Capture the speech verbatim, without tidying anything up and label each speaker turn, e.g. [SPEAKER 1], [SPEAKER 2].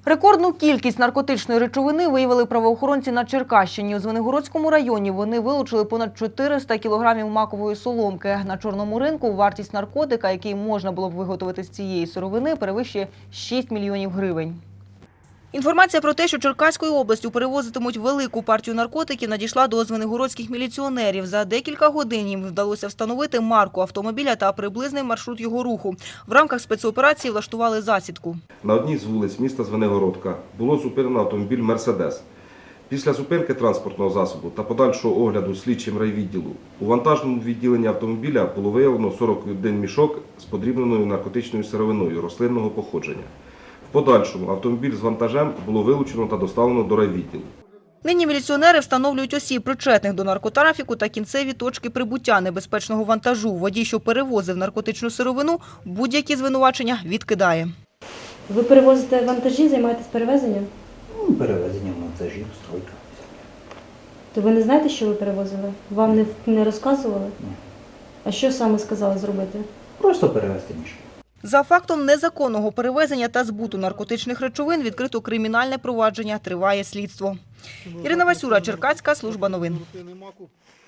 [SPEAKER 1] Рекордну кількість наркотичної речовини виявили правоохоронці на Черкащині. У Звенигородському районі вони вилучили понад чотириста кілограмів макової соломки. На чорному ринку вартість наркотика, який можна було б виготовити з цієї сировини, перевищує шість мільйонів гривень. Інформація про те, що Черкаською областю перевозитимуть велику партію наркотиків, надійшла до звенигородських міліціонерів. За декілька годин їм вдалося встановити марку автомобіля та приблизний маршрут його руху. В рамках спецоперації влаштували засідку.
[SPEAKER 2] На одній з вулиць міста Звенигородка було зупинено автомобіль «Мерседес». Після зупинки транспортного засобу та подальшого огляду слідчим райвідділу у вантажному відділенні автомобіля було виявлено сорок один мішок з подрібненою наркотичною сировиною рослинного походження. В подальшому автомобіль з вантажем було вилучено та доставлено до райвідділу.
[SPEAKER 1] Нині міліціонери встановлюють осіб, причетних до наркотрафіку та кінцеві точки прибуття небезпечного вантажу. Водій, що перевозив наркотичну сировину, будь-які звинувачення відкидає.
[SPEAKER 3] Ви перевозите вантажі, займаєтесь перевезенням?
[SPEAKER 4] Ну, перевезення вантажів, стройка.
[SPEAKER 3] То ви не знаєте, що ви перевозили? Вам не, не розказували?
[SPEAKER 4] Ні.
[SPEAKER 3] А що саме сказали зробити?
[SPEAKER 4] Просто перевезти мішки.
[SPEAKER 1] За фактом незаконного перевезення та збуту наркотичних речовин відкрито кримінальне провадження, триває слідство. Ірина Васюра, Черкаська служба новин.